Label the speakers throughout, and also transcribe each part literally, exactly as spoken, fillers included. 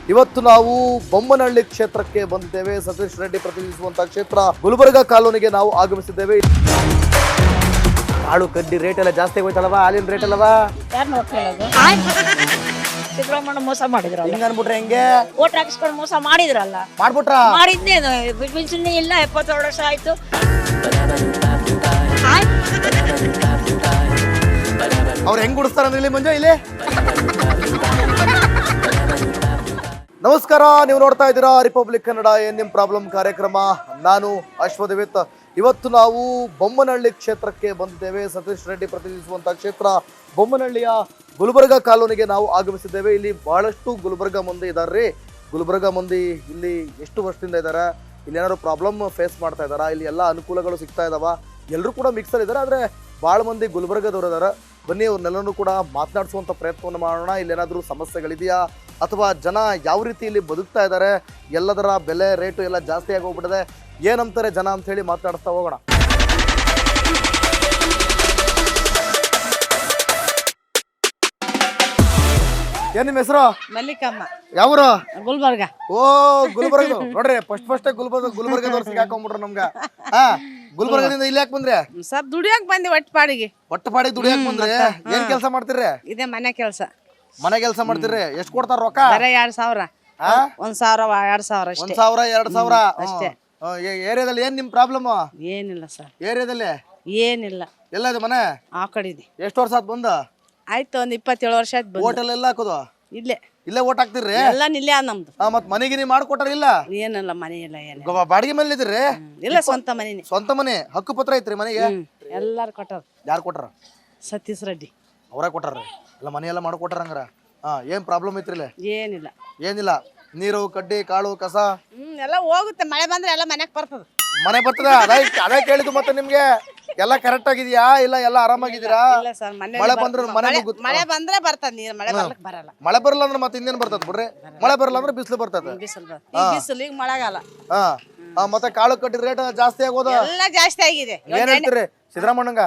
Speaker 1: ಇವತ್ತು ನಾವು ಬೊಮ್ಮನಹಳ್ಳಿ ಕ್ಷೇತ್ರಕ್ಕೆ ಬಂದಿದ್ದೇವೆ. ಸತೀಶ್ ರೆಡ್ಡಿ ಪ್ರತಿನಿಧಿಸುವಂತಹ ಕ್ಷೇತ್ರ ಗುಲ್ಬರ್ಗ ಕಾಲೋನಿಗೆ ನಾವು ಆಗಮಿಸಿದ್ದೇವೆ. ಕಾಳು ಕಡ್ಡಿ ರೇಟ್ ಎಲ್ಲ ಜಾಸ್ತಿ ಹೋಯ್ತಲ್ವಾ? ಹಾಲಿನ ರೇಟ್ ಅಲ್ವಾ?
Speaker 2: ಯಾರು ನೋಡ್ಕೊಳ್ಳೋದು? ಸಿದ್ದರಾಮಣ್ಣ ಮೋಸ ಮಾಡಿದ್ರಲ್ಲ,
Speaker 1: ಹಿಂಗ ಅನ್ಬಿಟ್ರೆ ಹೆಂಗೆ?
Speaker 2: ಓಟ್ ಹಾಕಿಸ್ಕೊಂಡು ಮೋಸ ಮಾಡಿದ್ರಲ್ಲ.
Speaker 1: ಮಾಡ್ಬಿಟ್ರ?
Speaker 2: ಮಾಡಿದ್ನೇನು ಪಿಂಚಣಿ ಇಲ್ಲ, ಎಪ್ಪತ್ತೇಳು ವರ್ಷ ಆಯ್ತು.
Speaker 1: ಅವ್ರು ಹೆಂಗ್ ಗುಡಿಸ್ತಾರಂದ್ರೆ ಇಲ್ಲಿ ಮಂಜು ಇಲ್ಲಿ. ನಮಸ್ಕಾರ, ನೀವು ನೋಡ್ತಾ ಇದ್ದೀರಾ ರಿಪಬ್ಲಿಕ್ ಕನ್ನಡ ಏನ್ ನಿಮ್ ಪ್ರಾಬ್ಲಮ್ ಕಾರ್ಯಕ್ರಮ. ನಾನು ಅಶ್ವದೇವಿತ್. ಇವತ್ತು ನಾವು ಬೊಮ್ಮನಹಳ್ಳಿ ಕ್ಷೇತ್ರಕ್ಕೆ ಬಂದಿದ್ದೇವೆ. ಸತೀಶ್ ರೆಡ್ಡಿ ಪ್ರತಿನಿಧಿಸುವಂತಹ ಕ್ಷೇತ್ರ ಬೊಮ್ಮನಹಳ್ಳಿಯ ಗುಲ್ಬರ್ಗ ಕಾಲೋನಿಗೆ ನಾವು ಆಗಮಿಸಿದ್ದೇವೆ. ಇಲ್ಲಿ ಬಹಳಷ್ಟು ಗುಲ್ಬರ್ಗ ಮಂದಿ ಇದಾರ್ರಿ. ಗುಲ್ಬರ್ಗ ಮಂದಿ ಇಲ್ಲಿ ಎಷ್ಟು ವರ್ಷದಿಂದ ಇದ್ದಾರೆ, ಇಲ್ಲಿ ಏನಾದ್ರು ಪ್ರಾಬ್ಲಮ್ ಫೇಸ್ ಮಾಡ್ತಾ ಇದಾರ, ಇಲ್ಲಿ ಎಲ್ಲ ಅನುಕೂಲಗಳು ಸಿಗ್ತಾ ಇದಾವ, ಎಲ್ಲರೂ ಕೂಡ ಮಿಕ್ಸರ್ ಇದ್ದಾರೆ. ಆದರೆ ಭಾಳ ಮಂದಿ ಗುಲ್ಬರ್ಗದವ್ರು ಇದಾರೆ. ಬನ್ನಿ ಅವ್ರನ್ನೆಲ್ಲರೂ ಕೂಡ ಮಾತನಾಡಿಸುವಂಥ ಪ್ರಯತ್ನವನ್ನು ಮಾಡೋಣ. ಇಲ್ಲೇನಾದರೂ ಸಮಸ್ಯೆಗಳಿದೆಯಾ ಅಥವಾ ಜನ ಯಾವ ರೀತಿ ಇಲ್ಲಿ ಬದುಕ್ತಾ ಇದ್ದಾರೆ, ಎಲ್ಲದರ ಬೆಲೆ ರೇಟು ಎಲ್ಲ ಜಾಸ್ತಿ ಆಗಿ ಹೋಗ್ಬಿಟ್ಟಿದೆ, ಏನಂತಾರೆ ಜನ ಅಂತ ಹೇಳಿ ಮಾತನಾಡ್ತಾ ಹೋಗೋಣ. ಏನ್ ನಿಮ್ಮ ಹೆಸರು?
Speaker 3: ಮಲ್ಲಿಕಮ್ಮ.
Speaker 1: ಯಾವ್ರು?
Speaker 3: ಗುಲ್ಬರ್ಗ.
Speaker 1: ಓ ಗುಲ್ಬರ್ಗ ನೋಡ್ರಿ, ಫಸ್ಟ್ ಫಸ್ಟ್ ಗುಲ್ಬರ್ಗ ಗುಲ್ಬರ್ಗದವ್ರು ಸಿಗಾಕೊಂಡ್ಬಿಟ್ರು ನಮ್ಗ. ಹಾ, ಗುಲ್ಬರ್ಗದಿಂದ ಇಲ್ಲಿ ಯಾಕೆ ಬಂದ್ರೆ?
Speaker 3: ಸರ್ ದುಡಿಯಕ್ ಬಂದಿ ಒಟ್ಟು ಪಾಡಿಗೆ.
Speaker 1: ಒಟ್ಟು ಪಾಡಿಗೆ ದುಡಿಯಕ್ ಬಂದ್ರೆ ಏನ್ ಕೆಲಸ ಮಾಡ್ತೀರಿ?
Speaker 3: ಇದೇ ಮನೆ ಕೆಲಸ.
Speaker 1: ಮನೆ ಕೆಲಸ ಮಾಡ್ತೀರಿ. ಎಷ್ಟ್ ಕೊಡ್ತಾರ ರೊಕ್ಕ?
Speaker 3: ಬರೀ ಎರಡ್ ಸಾವಿರ. ಒಂದ್ ಸಾವಿರ ಎರಡ್ ಸಾವಿರ
Speaker 1: ಒಂದ್
Speaker 3: ಅಷ್ಟೇ.
Speaker 1: ಸಾವಿರ ಎರಡ್ ಸಾವಿರ
Speaker 3: ಅಷ್ಟೇ.
Speaker 1: ಏರಿಯಾದಲ್ಲಿ ಏನ್ ನಿಮ್ ಪ್ರಾಬ್ಲಮ್?
Speaker 3: ಏನಿಲ್ಲ ಸರ್,
Speaker 1: ಏರಿಯಾದಲ್ಲಿ
Speaker 3: ಏನಿಲ್ಲ.
Speaker 1: ಎಲ್ಲ ಇದೆ ಮನೆ?
Speaker 3: ಆ ಕಡಿದೆ.
Speaker 1: ಎಷ್ಟು ವರ್ಷ ಆತ್ ಬಂದ?
Speaker 3: ಆಯ್ತು, ಒಂದ್ ಇಪ್ಪತ್ತೇಳು ವರ್ಷ ಆಯ್ತು ಬಂದು.
Speaker 1: ಹೋಟೆಲ್ ಎಲ್ಲ ಹಾಕೋದು?
Speaker 3: ಇಲ್ಲೇ
Speaker 1: ಇಲ್ಲೇ ಓಟ್ ಹಾಕ್ತಿರ್ರಿ?
Speaker 3: ಎಲ್ಲ ನಿಲ್ಲೇ ಅದ ನಮ್ದು.
Speaker 1: ಹಾ, ಮತ್ ಮನೆಗೆ ನೀವು ಮಾಡ್ಕೊಟ್ಟಾರ ಇಲ್ಲ?
Speaker 3: ಏನಿಲ್ಲ, ಮನೆ ಇಲ್ಲ ಏನಿಲ್ಲ.
Speaker 1: ಗೊ- ಬಾಡಿಗೆ ಮನೇಲಿ ಇದ್ರಿ?
Speaker 3: ಇಲ್ಲ, ಸ್ವಂತ ಮನೆನೇ.
Speaker 1: ಸ್ವಂತ ಮನೆ ಹಕ್ಕು ಪತ್ರ ಐತ್ರಿ ಮನೆಗೆ?
Speaker 3: ಎಲ್ಲಾರು ಕೊಟ್ಟಾರ.
Speaker 1: ಯಾರು ಕೊಟ್ಟಾರ?
Speaker 3: ಸತೀಶ್ ರೆಡ್ಡಿ
Speaker 1: ಅವ್ರ ಕೊಟ್ಟಾರ್ರಿ? ಎಲ್ಲ ಮನೆ ಎಲ್ಲ ಮಾಡ್ಕೊಟ್ಟಾರ ಹಂಗಾರ? ಹಾ, ಏನ್ ಪ್ರಾಬ್ಲಮ್ ಐತ್ರಿ ಇಲ್ಲಿ?
Speaker 3: ಏನಿಲ್ಲ.
Speaker 1: ಏನಿಲ್ಲ. ನೀರು ಕಡ್ಡಿ ಕಾಳು ಕಸ
Speaker 3: ಹ್ಮ್ ಎಲ್ಲ ಹೋಗುತ್ತೆ. ಮಳೆ ಬಂದ್ರೆ ಎಲ್ಲ ಮನೆಗ್ ಬರ್ತದ.
Speaker 1: ಮನೆ ಬರ್ತದ? ಅದೇ ಅದೇ ಕೇಳಿದ್ದು. ಮತ್ತೆ ನಿಮ್ಗೆ ಎಲ್ಲ ಕರೆಕ್ಟ್ ಆಗಿದ್ಯಾ ಇಲ್ಲ ಎಲ್ಲ ಆರಾಮಾಗಿದ್ದೀರಾ?
Speaker 3: ಇಲ್ಲ ಸರ್, ಮನೆ
Speaker 1: ಮಳೆ ಬಂದ್ರೆ ಮನೆ ನುಗ್ಗುತ್ತೆ.
Speaker 3: ಮಳೆ ಬಂದ್ರೆ ಬರ್ತದ ನೀರು, ಮಳೆ ಬರ್ಲಕ್ ಬರಲ್ಲ.
Speaker 1: ಮಳೆ ಬರಲ್ಲ ಅಂದ್ರೆ ಮತ್ತೆ ಇನ್ನೇನ್ ಬರ್ತದ ಬಿಡ್ರಿ? ಮಳೆ ಬರಲ್ಲ ಅಂದ್ರೆ ಬಿಸಿಲು ಬರ್ತದ.
Speaker 3: ಬಿಸಿಲು ಬರ್ತದ. ಈಗ ಬಿಸಿಲು, ಈಗ ಮಳೆಗಾಲ.
Speaker 1: ಹಾ, ಹಾ, ಮತ್ತೆ ಕಾಳು ಕಡ್ಡಿ ರೇಟ್ ಜಾಸ್ತಿ ಆಗೋದ?
Speaker 3: ಎಲ್ಲ ಜಾಸ್ತಿ ಆಗಿದೆ.
Speaker 1: ಏನ್ ಹೇಳ್ತೀರಿ ಸಿದ್ದರಾಮಣ್ಣಂಗ?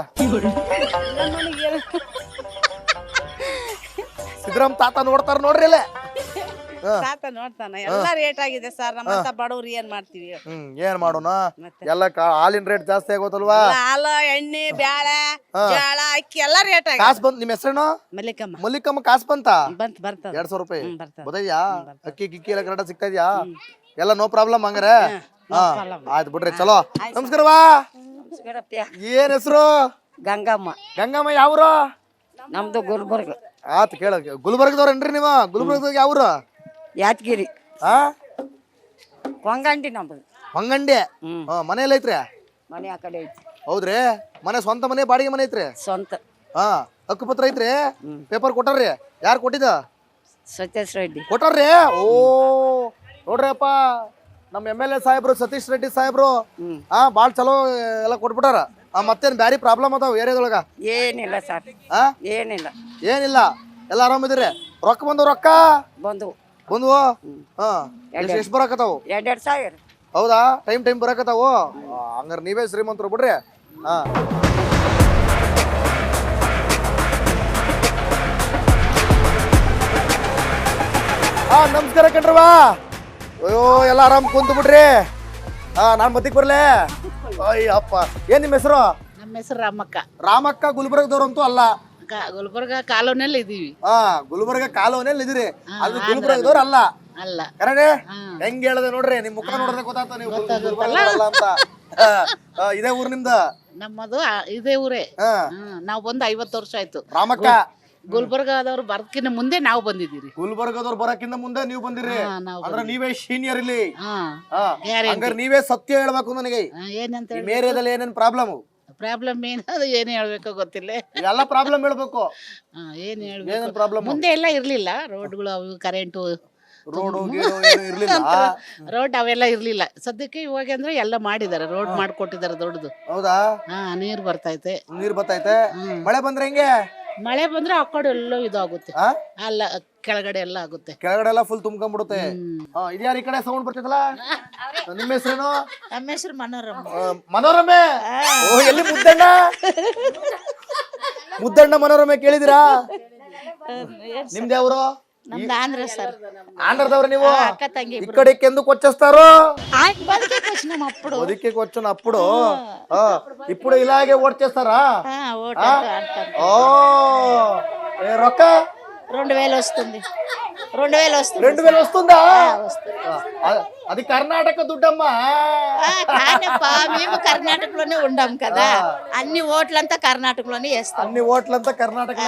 Speaker 1: ಸಿದ್ದರಾಮ್ ತಾತ ನೋಡ್ತಾರ ನೋಡ್ರಿ ಇಲ್ಲ?
Speaker 3: ತಾತ ನೋಡ್ತಾನ. ಎಲ್ಲ ರೇಟ್ ಆಗಿದೆ ಸರ್. ನಮ್ಮಂತ ಬಡವ್ರು ಏನ್ ಮಾಡ್ತೀವಿ?
Speaker 1: ಹ್ಮ್ ಏನ್ ಮಾಡೋಣ, ಎಲ್ಲ ಹಾಲಿನ ರೇಟ್ ಜಾಸ್ತಿ ಆಗೋತಲ್ವಾ?
Speaker 3: ಹಾಲು, ಎಣ್ಣೆ, ಬ್ಯಾಳೆ, ಜೋಳ, ಅಕ್ಕಿ ಎಲ್ಲ ರೇಟ್ ಆಗಿದೆ.
Speaker 1: ಕಾಸ್ ಬಂತ್? ನಿಮ್ ಹೆಸರೇನು?
Speaker 3: ಮಲ್ಲಿಕಮ್ಮ.
Speaker 1: ಮಲ್ಲಿಕಮ್ಮ. ಕಾಸ್ ಬಂತ?
Speaker 3: ಬಂತ ಬರ್ತದ.
Speaker 1: ಎರಡ್ ಸಾವಿರ ರೂಪಾಯಿ
Speaker 3: ಹ್ಮ್, ಬರ್ತದ.
Speaker 1: ಬದಯ್ಯಾ? ಅಕ್ಕಿ ಗಿಕ್ಕಿ ಎಲ್ಲ ಕರೆಕ್ಟ್ ಸಿಗ್ತಾ ಇದ್ಯಾ? ಎಲ್ಲ ನೋ ಪ್ರಾಬ್ಲಮ್ ಹಂಗಾರೆ? ಹಾ, ಆಯ್ತು ಬಿಡ್ರಿ. ಚಲೋ, ನಮಸ್ಕಾರವಾ. ಏನ್ ಹೆಸರು?
Speaker 3: ಗಂಗಮ್ಮ.
Speaker 1: ಗಂಗಮ್ಮ. ಯಾವ್ರು?
Speaker 3: ನಮ್ದು ಗುಲ್ಬರ್ಗ.
Speaker 1: ಆತ್ ಕೇಳ. ಗುಲ್ಬರ್ಗದವ್ರೇನ್ರಿ ನೀವು? ಗುಲ್ಬರ್ಗದಾಗ ಯಾವ್ರು?
Speaker 3: ಯಾದಗಿರಿ.
Speaker 1: ಹಾ,
Speaker 3: ಕೊಂಗಂಡಿ ನಮ್ದು.
Speaker 1: ಹೊಂಗಂಡಿ. ಹಾ, ಮನೆ ಎಲ್ಲ ಐತ್ರಿ?
Speaker 3: ಮನೆ ಆ ಕಡೆ ಐತಿ.
Speaker 1: ಹೌದ್ರಿ? ಮನೆ ಸ್ವಂತ ಮನೆ ಬಾಡಿಗೆ ಮನೆ ಐತ್ರಿ?
Speaker 3: ಸ್ವಂತ.
Speaker 1: ಹಾ, ಹಕ್ಕು ಪತ್ರ ಐತ್ರಿ? ಪೇಪರ್ ಕೊಟ್ಟಾರ್ರಿ? ಯಾರು ಕೊಟ್ಟಿದ?
Speaker 3: ಸತೀಶ್ ರೆಡ್ಡಿ
Speaker 1: ಕೊಟ್ಟಾರ್ರಿ? ಓ ನೋಡ್ರಿ ಅಪ್ಪ, ನಮ್ಮ ಎಮ್ ಎಲ್ ಎ ಸಾಹೇಬ್ರು ಸತೀಶ್ ರೆಡ್ಡಿ ಸಾಹೇಬ್ರು ಹಾ ಬಾಳ್ ಚಲೋ ಎಲ್ಲ ಕೊಟ್ಬಿಟ್ಟಾರ. ಮತ್ತೇನ್ ಬ್ಯಾರಿ ಪ್ರಾಬ್ಲಮ್ ಅದಾವ ಏರಿಯಾದೊಳಗ?
Speaker 3: ಏನಿಲ್ಲ ಸರ್,
Speaker 1: ಹಾ,
Speaker 3: ಏನಿಲ್ಲ.
Speaker 1: ಏನಿಲ್ಲ. ಎಲ್ಲ ಆರಾಮಿದ್ರಿ? ರೊಕ್ಕ ಬಂದವು? ರೊಕ್ಕ
Speaker 3: ಬಂದು
Speaker 1: ಬಂದ್ವು? ಹಾ, ಎಷ್ಟು ಬರಾಕತ್ತಾವು?
Speaker 3: ಎರಡೆರಡು ಸಾವಿರ.
Speaker 1: ಹೌದಾ? ಟೈಮ್ ಟೈಮ್ ಬರಾಕತ್ತಾವು? ಹಂಗಾರೆ ನೀವೇ ಶ್ರೀಮಂತರು ಬಿಡ್ರಿ. ಹಾ, ಹಾ, ನಮಸ್ಕಾರ ಕಣ್ರವಾ. ಅಯ್ಯೋ, ಎಲ್ಲ ಆರಾಮ್ ಕುಂತು ಬಿಡ್ರಿ. ಹಾ, ನಾನ್ ಮತ್ತಿಗೆ ಬರ್ಲೆ? ಅಯ್ಯಪ್ಪ, ಏನ್ ನಿಮ್ಮ ಹೆಸರು?
Speaker 4: ನಮ್ಮ ಹೆಸರು ರಾಮಕ್ಕ.
Speaker 1: ರಾಮಕ್ಕ. ಗುಲ್ಬರ್ಗದವ್ರಂತೂ ಅಲ್ಲ?
Speaker 4: ಗುಲ್ಬರ್ಗ ಕಾಲೋನಿಯಲ್ಲಿ ಇದೀವಿ.
Speaker 1: ಹಾ, ಗುಲ್ಬರ್ಗ ಕಾಲೋನಿಯಲ್ಲಿ ಇದ್ರಿ. ಅದು ಗುಲ್ಬರ್ಗದವ್ರು ಅಲ್ಲ?
Speaker 4: ಅಲ್ಲ.
Speaker 1: ಕರೆಕ್ಟ್. ಹೆಂಗ್ ಹೇಳ್ದೆ ನೋಡ್ರಿ, ನಿಮ್ ಮುಖ ನೋಡಿದ್ರೆ ಗೊತ್ತಾಗ್ತ ನೀವು ಗುಲ್ಬರ್ಗದವ್ರಲ್ಲ ಅಂತ. ಹಾ, ಇದೇ ಊರ್ ನಿಮ್ದ?
Speaker 4: ನಮ್ಮದು ಆ- ಇದೇ ಊರೇ.
Speaker 1: ಹಾ,
Speaker 4: ಹ್ಮ್, ನಾವು ಬಂದು ಐವತ್ತು ವರ್ಷ ಆಯ್ತು.
Speaker 1: ರಾಮಕ್ಕ.
Speaker 4: ಗುಲ್ಬರ್ಗದವ್ರು ಬರ್ಕಿನ ಮುಂದೆ ನಾವು ಬಂದಿದ್ದೀರಿ.
Speaker 1: ಗುಲ್ಬರ್ಗದವ್ರು ಬರಕ್ಕಿಂತ ಮುಂದೆ ನೀವು ಬಂದಿರಿ?
Speaker 4: ಹಾ, ನಾವು
Speaker 1: ಅಂದ್ರೆ ನೀವೇ ಸೀನಿಯರ್ ಇಲ್ಲಿ?
Speaker 4: ಹಾ,
Speaker 1: ಹಾ,
Speaker 4: ಗ್ಯಾರಂಟಿ.
Speaker 1: ಹಂಗಾರೆ ನೀವೇ ಸತ್ಯ ಹೇಳ್ಬೇಕು ನನಗೆ.
Speaker 4: ಹಾ, ಏನಂತ ಹೇಳಿ?
Speaker 1: ನಿಮ್ ಏರಿಯಾದಲ್ಲಿ ಏನೇನ್ ಪ್ರಾಬ್ಲಮ್?
Speaker 4: ಪ್ರಾಬ್ಲಮ್ ಏನು, ಅದು ಏನು ಹೇಳ್ಬೇಕೋ ಗೊತ್ತಿಲ್ಲ.
Speaker 1: ಎಲ್ಲ ಪ್ರಾಬ್ಲಮ್ ಹೇಳ್ಬೇಕು.
Speaker 4: ಹಾ, ಏನು
Speaker 1: ಏನೇನ್
Speaker 4: ಹೇಳ್ಬೇಕು?
Speaker 1: ಪ್ರಾಬ್ಲಮ್?
Speaker 4: ಮುಂದೆ ಎಲ್ಲ ಇರ್ಲಿಲ್ಲ ರೋಡ್ಗಳು, ಅವು ಕರೆಂಟು,
Speaker 1: ರೋಡು ಗೀಡು ಏನು ಇರ್ಲಿಲ್ಲ?
Speaker 4: ರೋಡ್ ಅವೆಲ್ಲ ಇರ್ಲಿಲ್ಲ. ಸದ್ಯಕ್ಕೆ ಇವಾಗ ಅಂದ್ರೆ ಎಲ್ಲ ಮಾಡಿದ್ದಾರೆ, ರೋಡ್ ಮಾಡ್ಕೊಟ್ಟಿದ್ದಾರೆ ದೊಡ್ಡದು.
Speaker 1: ಹೌದಾ?
Speaker 4: ಹಾ, ನೀರ್ ಬರ್ತೈತೆ.
Speaker 1: ನೀರ್ ಬರ್ತೈತೆ? ಮಳೆ ಬಂದ್ರೆ ಹೆಂಗೆ?
Speaker 4: ಮಳೆ ಬಂದ್ರೆ ಆ ಕಡೆ ಎಲ್ಲೋ ಇದಾಗುತ್ತೆ.
Speaker 1: ಆ?
Speaker 4: ಅಲ್ಲ, ಕೆಳಗಡೆ ಎಲ್ಲ ಆಗುತ್ತೆ.
Speaker 1: ಕೆಳಗಡೆ ಎಲ್ಲ ಫುಲ್ ತುಂಬ್ಕೊಂಡ್ಬಿಡುತ್ತೆ. ಹಾ, ಇದ್ಯಾರ ಈ ಕಡೆ ಸೌಂಡ್ ಬರ್ತೈತಲ್ಲ? ನಿಮ್ಮ ಹೆಸರೇನು?
Speaker 4: ನಮ್ಮ ಹೆಸರು ಮನೋರಮ.
Speaker 1: ಆ, ಮನೋರಮೆ. ಓ, ಎಲ್ಲಿ ಮುದ್ದಣ್ಣ? ಮುದ್ದಣ್ಣ ಮನೋರಮೆ ಕೇಳಿದಿರಾ? ನಿಮ್ದು ಯಾವ್ರು?
Speaker 4: ನಮ್ದು ಆಂಧ್ರ ಸರ್
Speaker 1: ఆంధ్రదవరు ನೀವು
Speaker 4: అక్క తంగి
Speaker 1: ఇక్కడికి ఎందుకు వచ్చేస్తారు
Speaker 4: బతికి వచ్చినాం అప్పుడు
Speaker 1: బతికి వచ్చిన అప్పుడు ఆ, ఇప్పుడు ఇలాగే ఓట్ చేస్తారా
Speaker 4: ఆ, ఓటు
Speaker 1: ఆ?
Speaker 4: ఆడతారు.
Speaker 1: ఓ ఏ రొక్క
Speaker 4: రెండు వేలు వస్తుంది రెండు వేలు వస్తుంది
Speaker 1: రెండు వేలు వస్తుందా
Speaker 4: వస్తుంది.
Speaker 1: ఆ, అది కర్ణాటక దుడ్డమ్మా
Speaker 4: ఆ, కానప్పా, మేము కర్ణాటకలోనే ఉండాం కదా అన్ని ఓట్లంతా కర్ణాటకలోనే వేస్తాం
Speaker 1: అన్ని ఓట్లంతా కర్ణాటక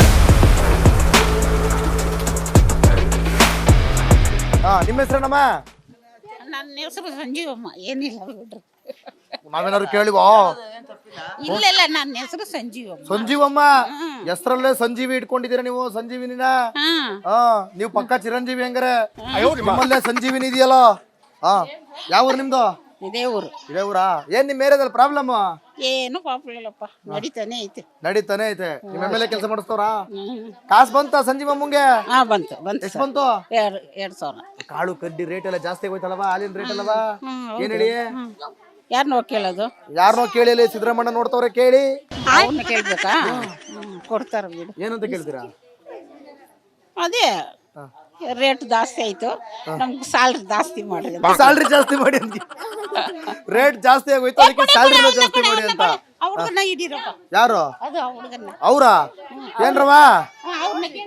Speaker 1: ನಿಮ್ಮ ಹೆಸರೇನಮ್ಮ
Speaker 4: ನನ್ನ ಹೆಸರು ಸಂಜೀವಮ್ಮ ಏನಿಲ್ಲ ಬಿಡ್ರಿ
Speaker 1: ನಾವೇನಾದ್ರು ಕೇಳಿವೋ
Speaker 4: ಇಲ್ಲ ಇಲ್ಲ ನನ್ನ ಹೆಸರು ಸಂಜೀವಮ್ಮ
Speaker 1: ಸಂಜೀವಮ್ಮ ಹೆಸರಲ್ಲೇ ಸಂಜೀವಿ ಇಟ್ಕೊಂಡಿದ್ದೀರಾ ನೀವು ಸಂಜೀವಿನಿನ
Speaker 4: ಹಾ
Speaker 1: ಹಾ ನೀವು ಪಕ್ಕ ಚಿರಂಜೀವಿ ಹಂಗಾರೆ ನಿಮ್ಮಲ್ಲೇ ಸಂಜೀವಿನಿ ಇದೆಯಲ್ಲ ಹಾ ಯಾವ ಊರು ನಿಮ್ದು
Speaker 4: ಇದೇ ಊರು
Speaker 1: ಇದೇ ಊರಾ ಏನ್ ನಿಮ್ ಏರಿಯಾದಲ್ಲಿ ಪ್ರಾಬ್ಲಮ್
Speaker 4: ಏನು ಪಾಪ ಇಲ್ಲಪ್ಪ ನಡೀತಾನೆ ಐತೆ
Speaker 1: ನಡೀತಾನೆ ಐತೆ ನಿಮ್ ಎಮ್ ಎಲ್ ಎ ಕೆಲಸ ಮಾಡಿಸ್ತವ್ರ ಕಾಸು ಬಂತ ಸಂಜೀವಮ್ಮಂಗೆ
Speaker 4: ಹಾ ಬಂತು ಬಂತು
Speaker 1: ಎಷ್ಟು ಬಂತು
Speaker 4: ಎರಡು ಎರಡು ಸಾವಿರ
Speaker 1: ಕಾಳು ಕಡ್ಡಿ ರೇಟ್ ಎಲ್ಲ ಜಾಸ್ತಿ ಆಗೋಯ್ತಲ್ವಾ ಹಾಲಿನ ರೇಟ್ ಅಲ್ವಾ ಏನ್ ಹೇಳಿ
Speaker 4: ಯಾರನ್ನೋ ಕೇಳೋದು
Speaker 1: ಯಾರನ್ನೋ ಕೇಳಿ ಇಲ್ಲಿ ಸಿದ್ದರಾಮಣ್ಣ ನೋಡ್ತವ್ರೆ ಕೇಳಿ
Speaker 4: ಅವ್ರನ್ನ ಕೇಳ್ಬೇಕಾ ಹ್ಮ್, ಕೊಡ್ತಾರ ಬಿಡು
Speaker 1: ಏನಂತ ಕೇಳ್ತೀರಾ
Speaker 4: ಅದೇ ರೇಟ್ ಜಾಸ್ತಿ ಆಯ್ತು ನಮ್ಗೆ ಸ್ಯಾಲ್ರಿ ಜಾಸ್ತಿ ಮಾಡಿ
Speaker 1: ಸ್ಯಾಲ್ರಿ ಜಾಸ್ತಿ ಮಾಡಿ ಅಂತ ರೇಟ್ ಜಾಸ್ತಿ ಆಗೋಯ್ತು ಅದಕ್ಕೆ ಸ್ಯಾಲ್ರಿನ ಜಾಸ್ತಿ ಮಾಡಿ ಅಂತ
Speaker 4: ಅವ್ರನ್ನ ಹಿಡೀರಪ್ಪ
Speaker 1: ಯಾರು
Speaker 4: ಅದು ಆ ಹುಡುಗನ್ನ
Speaker 1: ಅವ್ರಾ ಏನ್ರವ
Speaker 4: ಅವ್ರನ್ನ ಕೇಳಿ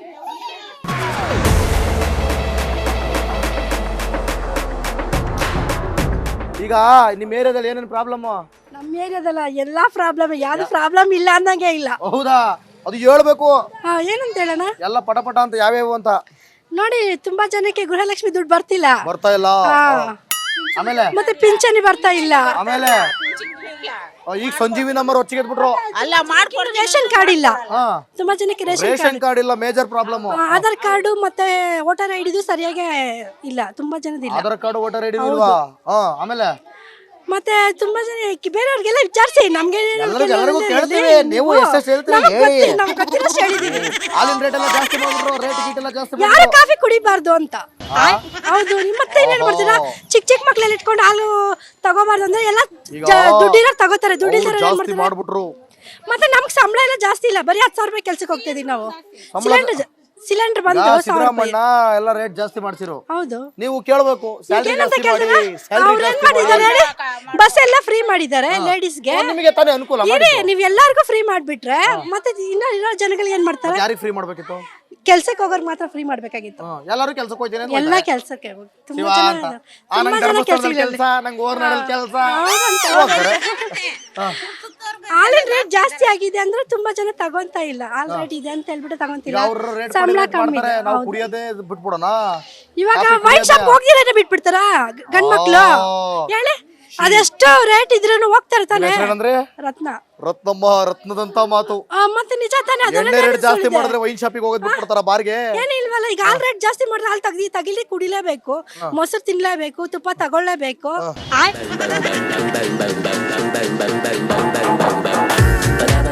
Speaker 1: ಈಗ ನಿಮ್ ಏರಿಯಾದಲ್ಲಿ ಏನೇನ್ ಪ್ರಾಬ್ಲಮ್
Speaker 5: ನಮ್ಮ ಏರಿಯಾದಲ್ಲ ಎಲ್ಲಾ ಪ್ರಾಬ್ಲಮ್ ಯಾವ್ದು ಪ್ರಾಬ್ಲಮ್ ಇಲ್ಲ ಅನ್ನಂಗೆ ಇಲ್ಲ
Speaker 1: ಹೌದಾ ಅದು ಹೇಳ್ಬೇಕು
Speaker 5: ಹಾ ಏನಂತ ಹೇಳೋಣ
Speaker 1: ಎಲ್ಲ ಪಟ ಪಟ ಅಂತ ಯಾವ್ಯಾವ ಅಂತ
Speaker 5: ನೋಡಿ ತುಂಬಾ ಜನಕ್ಕೆ ಗೃಹಲಕ್ಷ್ಮಿ ದುಡ್ಡು ಬರ್ತಿಲ್ಲ
Speaker 1: ಬರ್ತಾ ಇಲ್ಲ ಆಮೇಲೆ
Speaker 5: ಮತ್ತೆ ಪಿಂಚಣಿ ಬರ್ತಾ ಇಲ್ಲ
Speaker 1: ಆಮೇಲೆ ಆ, ಈಗ ಸಂಜೀವಿ ನಂಬರ್ ಹೊಚ್ಚಿಗೆ ಬಿಟ್ರು
Speaker 4: ಅಲ್ಲ ಮಾಡ್ಕೊಡ್ತೀನಿ
Speaker 5: ರೇಷನ್ ಕಾರ್ಡ್ ಇಲ್ಲ
Speaker 1: ಹಾ
Speaker 5: ತುಂಬಾ ಜನಕ್ಕೆ ರೇಷನ್
Speaker 1: ರೇಷನ್ ಕಾರ್ಡ್ ಇಲ್ಲ ಮೇಜರ್ ಪ್ರಾಬ್ಲಮ್
Speaker 5: ಆಧಾರ್ ಕಾರ್ಡು ಮತ್ತೆ ವೋಟರ್ ಐ ಡಿದು ಸರಿಯಾಗಿ ಇಲ್ಲ ತುಂಬಾ ಜನದಿಲ್ಲ
Speaker 1: ಆಧಾರ್ ಕಾರ್ಡ್ ವೋಟರ್ ಐಡಿ ಇಲ್ವಾ ಹಾ ಆಮೇಲೆ
Speaker 5: ಮತ್ತೆ ತುಂಬಾ ಜನ ಬೇರೆಯವ್ರಿಗೆಲ್ಲ ವಿಚಾರಿಸಿ ನಮ್ಗೆ
Speaker 1: ಎಲ್ಲರಿಗೂ ಎಲ್ಲರಿಗೂ ಕೇಳ್ತೀವಿ ನೀವು ಎಷ್ಟೆಷ್ಟು ಹೇಳ್ತೀರಿ ಹೇಳಿ
Speaker 5: ನಮ್ಗೆ ಗೊತ್ತಿರೋಷ್ಟು ಹೇಳಿದೀವಿ
Speaker 1: ಹಾಲಿನ ರೇಟ್ ಎಲ್ಲ ಜಾಸ್ತಿ ಮಾಡ್ಬಿಟ್ರು ರೇಟ್ ಗೀಟ್ ಎಲ್ಲ ಜಾಸ್ತಿ
Speaker 5: ಯಾರು
Speaker 1: ಮಾಡ್ಬಿಟ್ರು
Speaker 5: ಕಾಫಿ ಕುಡಿಬಾರ್ದು ಅಂತ ಹೌದು ನಿಮ್ ಮತ್ತೆ ಏನೇನ್ ಮಾಡ್ತೀರಾ ಚಿಕ್ಕ ಚಿಕ್ಕ ಮಕ್ಳೆಲ್ಲ ಇಟ್ಕೊಂಡು ಹಾಲು ತಗೋಬಾರ್ದು ಅಂದ್ರೆ ಎಲ್ಲ ದುಡ್ಡಿರೋ ತಗೋತಾರೆ ದುಡ್ಡಿರೋ
Speaker 1: ಅವ್ರು
Speaker 5: ಏನ್
Speaker 1: ಜಾಸ್ತಿ
Speaker 5: ಮಾಡ್ತಾರೆ
Speaker 1: ಮಾಡ್ಬಿಟ್ರು
Speaker 5: ಮತ್ತೆ ನಮ್ಗೆ ಸಂಬಳ ಎಲ್ಲ ಜಾಸ್ತಿ ಇಲ್ಲ ಬರೀ ಹತ್ತು ಸಾವಿರ ರೂಪಾಯಿ ಕೆಲ್ಸಕ್ಕೆ ಹೋಗ್ತಾ ಇದೀವಿ ನಾವು ಸಿಲಿಂಡರ್ ಸಿಲಿಂಡರ್ ಬಂದು
Speaker 1: ಯಾ,
Speaker 5: ಸಾವಿರ ರೂಪಾಯಿ
Speaker 1: ಸಿದ್ದರಾಮಣ್ಣ ಎಲ್ಲ ರೇಟ್ ಜಾಸ್ತಿ ಮಾಡ್ಸಿರು
Speaker 5: ಹೌದು
Speaker 1: ನೀವು ಕೇಳ್ಬೇಕು ಸ್ಯಾಲ್ರಿ
Speaker 5: ಏನಂತ
Speaker 1: ಜಾಸ್ತಿ ಮಾಡಿ
Speaker 5: ಕೇಳಿದ್ರೆ
Speaker 1: ಸ್ಯಾಲ್ರಿ
Speaker 5: ಅವ್ರು ಏನ್
Speaker 1: ಜಾಸ್ತಿ ಮಾಡಿ
Speaker 5: ಮಾಡಿದ್ದಾರೆ ಹೇಳಿ ಬಸ್ ಎಲ್ಲ ಫ್ರೀ ಮಾಡಿದ್ದಾರೆ ಲೇಡೀಸ್ಗೆ
Speaker 1: ನಿಮಗೆ ತಾನೇ ಅನುಕೂಲ ಮಾಡಿ
Speaker 5: ಇರಿ ನೀವ್ ಎಲ್ಲಾರ್ಗು ಫ್ರೀ ಮಾಡ್ಬಿಟ್ರೆ ಮತ್ತೆ ಇನ್ನ ಇರೋ ಜನಗಳಿಗೆ ಏನ್ ಮಾಡ್ತಾರೆ
Speaker 1: ಯಾರಿಗೆ ಫ್ರೀ ಮಾಡ್ಬೇಕಿತ್ತು
Speaker 5: ಕೆಲ್ಸಕ್ಕೆ ಹೋಗೋರ್ ಮಾತ್ರ ಫ್ರೀ ಮಾಡ್ಬೇಕಾಗಿತ್ತು
Speaker 1: ಹಾ, ಎಲ್ಲರೂ ಕೆಲ್ಸಕ್ಕೆ ಹೋಗ್ತೀನಿ ಅಂತ
Speaker 5: ಎಲ್ಲಾ ಕೆಲ್ಸಕ್ಕೆ ಹೋಗ್- ತುಂಬಾ
Speaker 1: ಶಿವ
Speaker 5: ಜನ
Speaker 1: ಅಂತ ಆ,
Speaker 5: ತುಂಬಾ
Speaker 1: ನಂಗೆ
Speaker 5: ಜನ
Speaker 1: ಧರ್ಮಸ್ಥಳದಲ್ಲಿ
Speaker 5: ಕೆಲ್ಸಗಳಲ್ಲಿ
Speaker 1: ಕೆಲಸ ನಂಗೆ ಓರ್ನಾಡಲ್ ಕೆಲಸ
Speaker 5: ಹಾಲಿನ ರೇಟ್ ಜಾಸ್ತಿ ಆಗಿದೆ ಅಂದ್ರೆ ತುಂಬಾ ಜನ ತಗೊಂತ ಇಲ್ಲ ಹಾಲ್ ರೇಟ್ ಇದೆ ಅಂತ ಹೇಳ್ಬಿಟ್ಟು ತಗೊಂತಿಲ್ಲ
Speaker 1: ಅವ್ರ ರೇಟ್
Speaker 5: ಸಂಬಳ ಕಮ್ಮಿ
Speaker 1: ಮಾಡ್ತಾರೆ
Speaker 5: ಇದೆ.
Speaker 1: ನಾವು
Speaker 5: ಹೌದು.
Speaker 1: ಕುಡಿಯೋದೇ ಬಿಟ್ಬಿಡೋಣ
Speaker 5: ಇವಾಗ
Speaker 1: ಕಾಫಿ
Speaker 5: ವೈನ್ ಶಾಪ್
Speaker 1: ಕುಡಿಯೋದೇ.
Speaker 5: ಹೋಗಿದ್ರೆ ಬಿಟ್ಬಿಡ್ತಾರ ಗಂಡ್ ಮಕ್ಳು
Speaker 1: ಓ.
Speaker 5: ಹೇಳಿ ಅದೆಷ್ಟು ರೇಟ್ ಇದ್ರೂ ಹೋಗ್ತಾರೆ ತಾನೆ
Speaker 1: ಹೆಸರೇನಂದ್ರೆ
Speaker 5: ರತ್ನ
Speaker 1: ರತ್ನಮ್ಮ ರತ್ನದಂತ ಮಾತು
Speaker 5: ಆ, ಮತ್ತೆ ನಿಜ ತಾನೆ ಅದೆಲ್ಲ
Speaker 1: ಎಣ್ಣೆ ರೇಟ್
Speaker 5: ನೆನ್ಸ್
Speaker 1: ಜಾಸ್ತಿ
Speaker 5: ಸುಳ್ಳಿದೆ.
Speaker 1: ಮಾಡಿದ್ರೆ ವೈನ್ ಶಾಪಿಗೆ ಹೋಗೋದ್ ಬಿಟ್ಬಿಡ್ತಾರ ಬಾರ್ಗೆ
Speaker 5: ಏನು ಇಲ್ವಲ್ಲ ಈಗ ಹಾಲ್ ರೇಟ್ ಜಾಸ್ತಿ ಮಾಡಿದ್ರೆ ಹಾಲು ತೆಗ್ದಿ ತಗಿಲಿ ಕುಡಿಲೇಬೇಕು ಮೊಸರು ತಿನ್ಲೇಬೇಕು ತುಪ್ಪ ತಗೊಳ್ಳೇಬೇಕು
Speaker 2: ಆಯ್ತು